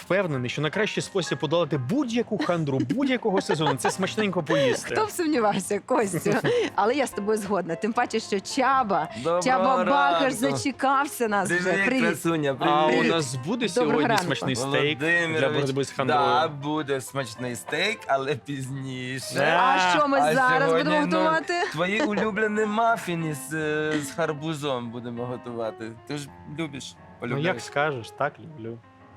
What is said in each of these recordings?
впевнений, що найкращий спосіб подолати будь-яку хандру будь-якого сезону – це смачненько поїсти. Хто б сумнівався, Костю? Але я з тобою згодна. Тим паче, що Чаба Доброго Бакаш ранку. зачекався нас вже. Привіт, Привіт. красуня, А у привіт. нас буде Доброго сьогодні ранку. смачний стейк для Володимирович, боротьби з хандрою? да, буде смачний стейк, але пізніше. Да. А що ми А зараз сьогодні, будемо ну, готувати? Твої улюблені мафіни з гарбузом будемо готувати. Ти ж любиш, Ну полюбляєш. як скажеш, так люблю.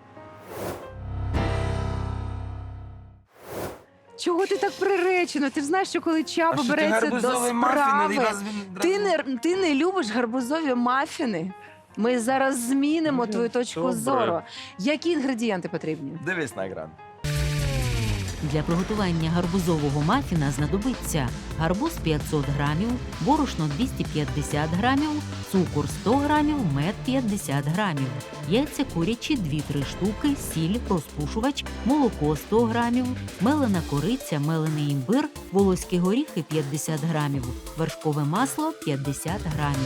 Чого ти так приречено? Ти ж знаєш, що коли Чаба береться до справи, ти не любиш гарбузові мафіни? Ми зараз змінимо твою точку Добре. зору. Які інгредієнти потрібні? Дивись на екран. Для приготування гарбузового мафіна знадобиться гарбуз 500 грамів, борошно 250 грамів, цукор 100 грамів, мед 50 грамів, яйця курячі 2-3 штуки, сіль, розпушувач, молоко 100 грамів, мелена кориця, мелений імбир, волоські горіхи 50 грамів, вершкове масло 50 грамів.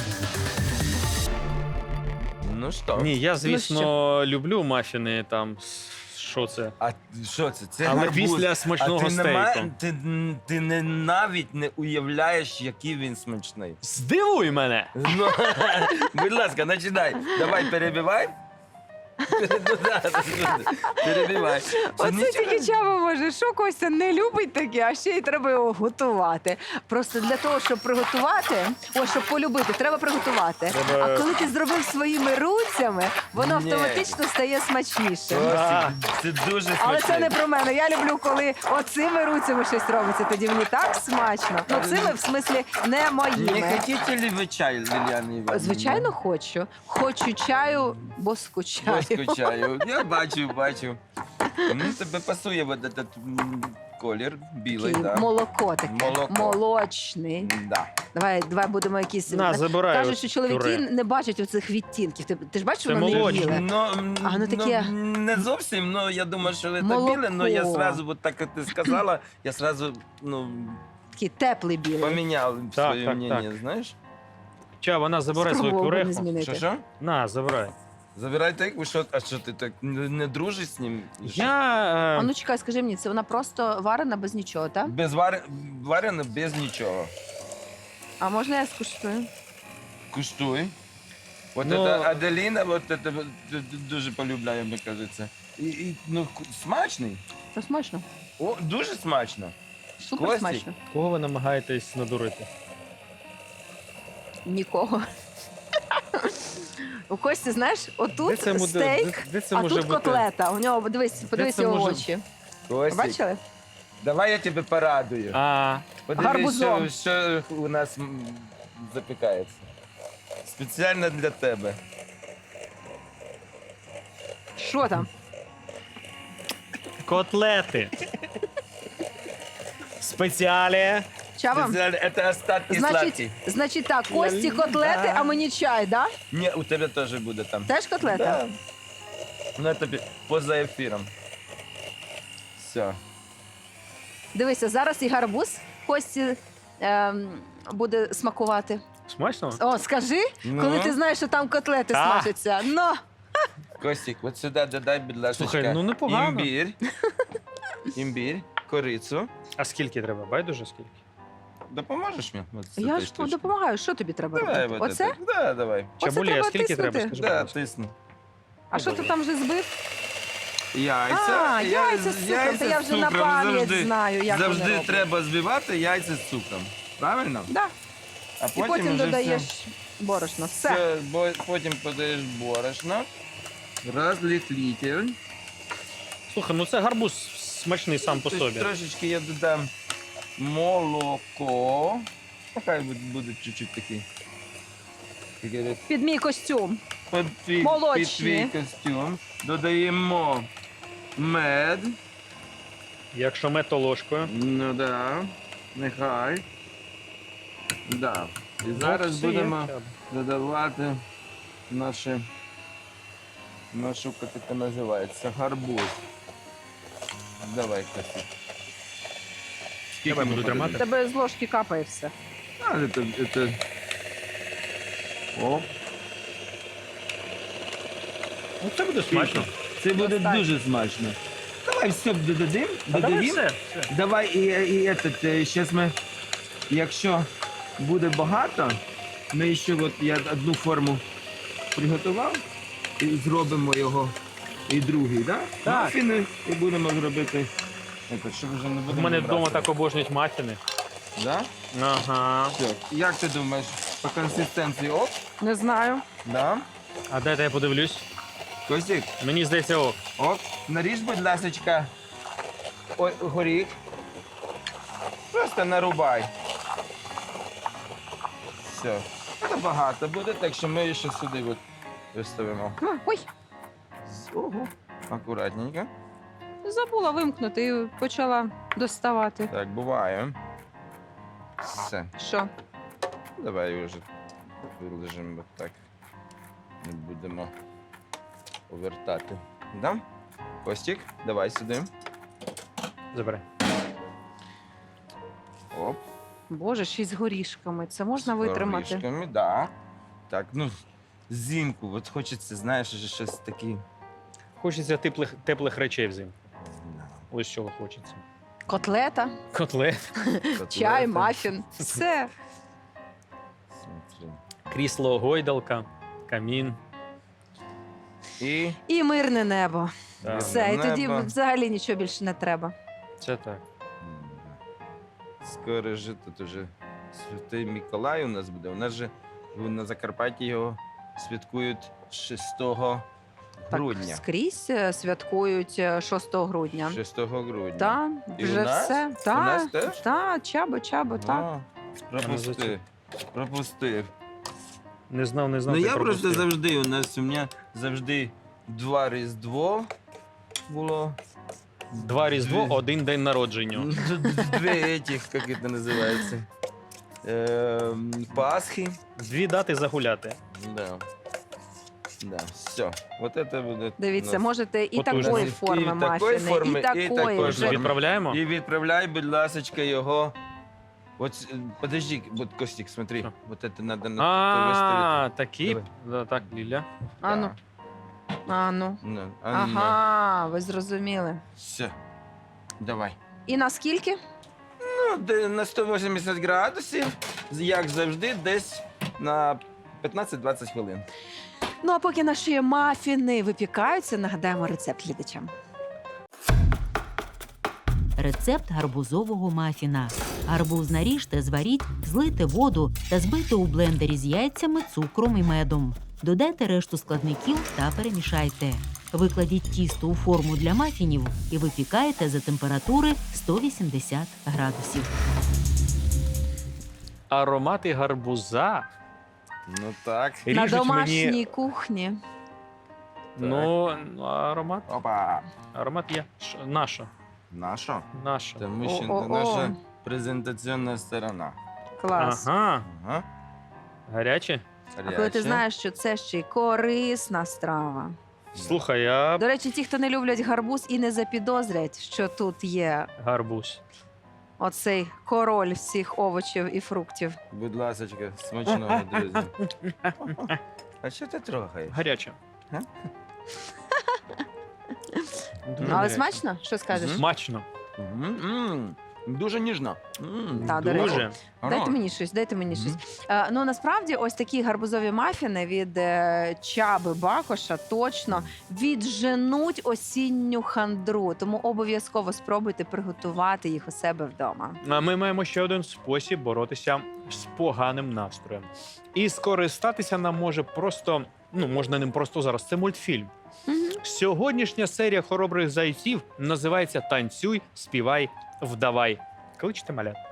Ну що? Ні, я, звісно, люблю мафіни там. Що це? А що це? Це Але гарбуз. після смачного А ти стейку. ти не навіть не уявляєш, який він смачний. Здивуй мене! Ну, будь ласка, починай. Давай, перебивай. Перебивай. Оце тільки Чаба може. Що Костя не любить таке, а ще й треба його готувати. Просто для того, щоб приготувати, щоб полюбити, треба приготувати. Треба- А коли ти зробив своїми руцями, воно Ні. автоматично стає смачніше. Це дуже смачно. Але це не про мене. Я люблю, коли оцими руцями щось робиться. Тоді мені так смачно. Ну, цими, в смислі, не Не моїми. хотите ли ви чай, Ліліана Іванівна? Звичайно, хочу. Хочу чаю, бо скучаю. Я скучаю. Я бачу. Тебе пасує вот этот колір білий, Такий так. молоко таке. Молоко. Молочний. Да. Давай будемо якісь. На, забирай. Кажуть, що чоловіки пюре. не бачать оцих відтінків. Ти ж бачиш, Це воно не молочне. біле. Ну, таке- не зовсім, но я думаю, що це Молоко. біле, но я сразу, вот так як ти сказала, я сразу, Такий теплий білий. поміняв Так, своє так, мнение, знаєш? Чаба, на, забирай свою Спробував би не пюреху. змінити. Що? На, забирай. Забирай так, а що ти так не дружиш з ним? А Я... ну чекай, скажи мені, це вона просто варена без нічого, так? Без варено, без нічого. А можна я скуштую? Куштуй. Вот Ну- это Аделіна, вот это дуже полюбляє, мені кажеться. Ну, смачний. Це смачно. О, дуже смачно. Супер Костік. смачно. Кого ви намагаєтесь надурити? Нікого. У Кості, знаєш, отут стейк, де це а може тут бути? котлета. У нього, подивись це його може- очі. Костік, Бачили? давай я тебе порадую. А, Подивись, Гарбузом. що у нас запікається. Спеціально для тебе. Що там? котлети. Спеціалі. Чава? Спеціально, це остатки сладкі. Значить так, Кості котлети, а мені чай, да? Ні, у тебе теж буде там. Теж котлета? Да. Ну, тобі поза ефіром. Все. Дивися, зараз і гарбуз Кості буде смакувати. Смачно? О, скажи, Ну? коли ти знаєш, що там котлети Так. смажаться. Ну, Костік, от сюди додай, будь ласка, Слухай, ну непогано. імбір, корицю. А скільки треба? Байдуже скільки? Допоможеш мені? От з я цієї ж штучки? допомагаю. Що тобі треба Давай, робити? вот Оце? это. Да, давай. Чабулі, а треба скільки треба? тиснути? Скажи, будь Да, ласка. тисну. А що ти там вже збив? Яйця. Яйця з цукром. Та я вже на пам'ять знаю, як вони Завжди роблять. треба збивати яйця з цукром. Правильно? Да. А І потім вже додаєш все. борошно. Все. Потім подаєш борошно. Розлітлитель. Слухай, ну це гарбуз смачний сам по собі. Трошечки я додам молоко. Хай буде чуть-чуть такий. як говорять, Під мій костюм. під Молочні. твій костюм. Додаємо мед. Якщо мед, то ложкою. Ну да. Нехай. Да. І зараз Ну, все є. будемо додавати нашу, як це називається, гарбуз. Давай, Костя. Давай, буду У тримати. тебе з ложки капає все. А, это... О. Ну, це буде смачно. Це буде Достатньо. дуже смачно. Давай все додадим. А давай все. Давай зараз ми, якщо буде багато, ми ще я одну форму приготував і зробимо його і другий, да? Так. Мафіни і будемо робити. Щоб вже не У будемо мене вдома брати. так обожнюють мафіни. Да? Ага. Все. Як ти думаєш, по консистенції ок? Не знаю. Да? А дайте я подивлюсь. Костік, Мені здається, ок. ок, наріж, будь ласочка, горіх. Просто нарубай. Все. Це багато буде, так що ми ще сюди виставимо. Ой, Ого. Акуратненько. забула вимкнути і почала доставати. Так, буває. Все. Що? Давай вже вилежимо так. Не будемо повертати. Да? Костік, давай сюди. Забирай. Оп. Боже, ще й з горішками. Це можна витримати. Горішками, да. Так, ну, взимку, от хочеться, знаєш, щось таке. Хочеться теплих речей взимку. Ось чого хочеться. Котлета, Котлет, чай, мафін. Все. Смотри. крісло, гойдалка, камін. І І мирне небо. Так. Все, і тоді Небо. взагалі нічого більше не треба. Це так. Скоро же тут уже Святий Миколай у нас буде. У нас же на Закарпатті його святкують 6 грудня. Так, скрізь святкують 6 грудня. 6 грудня. Так, І вже у нас? все. У нас теж? Так, чабо, так. А, пропустив. Пропустив. Не знав, Ну ти я просто пропустив. завжди, у мене завжди 2 Різдво було. 2 Різдво, 1 день народження. 2 этих, як це називається. Пасхи. 2 дати загуляти. Да. Да, все. Вот это буде. Дивіться, у нас. можете і Потужно. такої І форми такої мафіни, форми, і і такої. такої вже. форми. Відправляємо? І відправляй, будь ласочка, його. Вот, подожди, вот, Костик, смотри. Що? Вот это надо А, такі. Давай. Да, так, Ліля. Ану, ану. Ну, Ага, ви зрозуміли. Все. Давай. І наскільки? Ну, на 180 градусів, як завжди, десь на 15-20 хвилин. Ну а поки наші мафіни випікаються, нагадаємо рецепт глядачам. Рецепт гарбузового мафіна. Гарбуз наріжте, зваріть, злийте воду та збийте у блендері з яйцями, цукром і медом. Додайте решту складників та перемішайте. Викладіть тісто у форму для мафінів і випікайте за температури 180 градусів. Аромати гарбуза. Ну так. На Ріжуть домашній мені. кухні. Ну, аромат. Опа. Аромат є. Наша. Наша? Наша. Тому що О-о-о. наша презентаційна сторона. Клас. Ага. Ага. Гаряче. А коли ти Гаряче. знаєш, що це ще й корисна страва. Слухай, я До речі, ті, хто не люблять гарбуз і не запідозрять, що тут є гарбуз. оцей король всіх овочів і фруктів. Будь ласочка, смачного, друзі. А що ти трогаєш? Гаряче. Га? Дуже Але гаряче. смачно? Що скажеш? Смачно. Дуже ніжно. Так, до речі. Дуже. Дайте мені щось, дайте мені щось. Ну насправді, ось такі гарбузові мафіни від Чаби Бакоша точно відженуть осінню хандру. Тому обов'язково спробуйте приготувати їх у себе вдома. А ми маємо ще один спосіб боротися з поганим настроєм. І скористатися нам може просто, можна ним просто зараз. Це мультфільм. Сьогоднішня серія хоробрих зайців називається Танцюй, співай, вдавай. Кличте малят.